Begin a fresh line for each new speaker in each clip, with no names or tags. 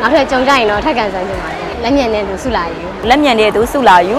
နောက်ထပ်ကြုံကြရင်တော့ထပ်ကန်ဆန်းချင်ပါတယ်လက်မြန်တဲ့သူစုလာယူ
လက်မြန်တဲ့သူစုလာယူ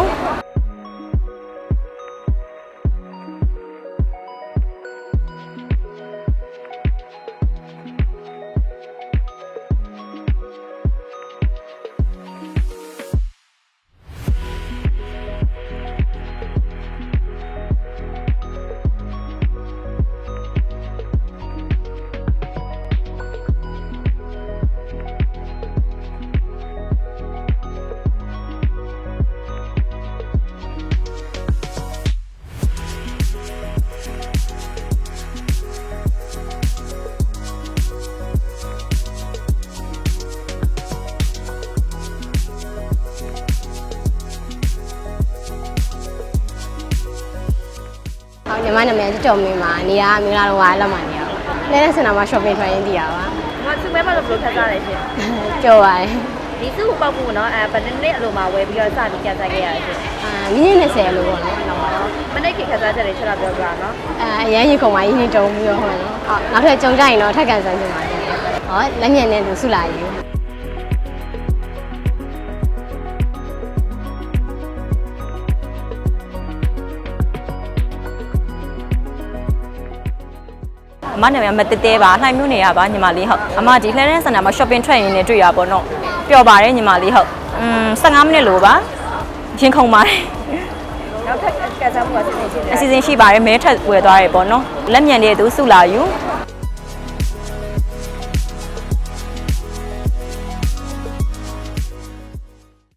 ညီမနာမည်ကြော်မင်းပါနေရာမင်္ဂလာတော်ဝါလက်မှာနေရပါလဲတဲ့စင်တာမှာ shopping ထွက်ရင်းတည်ရပါ
မသူမဲမလို့ဘယ်လိုခက်စားလဲရှင်
ကြော်ပါတယ်
ဒီစုကိုပောက်ဖို့နော်ဘယ်နှစ်အလိုမှာဝယ်ပြီးတော့စပြီးကန်စားခဲ့ရလဲရှင်
မိနစ်20လို့ပေါ့နော်နောက်ပါတော့
မနေ့ကခက်စားချက်တွေချက်တော့ပြောပြပါနော်
အရန်ရင်ခုံမကြီးနေတုံးပြီးတော့ဟုတ်နော်နောက်ထပ်ကြုံကြရင်တော့ထပ်ကန်ဆန်းချင်ပါတယ်ဟောလက်မြန်တဲ့သူစုလာယူ
အမနာမည်မတတဲပါလှိုင်မျိုးနေရပါညီမလေးဟုတ်အမဒီလှဲတဲ့စင်တာမှာ shopping ထွက်ရင်းနဲ့တွေ့ရပါတော့ပျော်ပါတယ်ညီမလေးဟုတ်15မိနစ်လို့ပါရင်ခုန်ပါတယ်
နောက်ထပ်ကန်စားမှုအစီအစဉ်ရှိတယ်
အစီအစဉ်ရှိပါတယ်မဲထက်ဝယ်သွားတယ်ပေါ့နော်လက်မြန်တဲ့သူစုလာယူ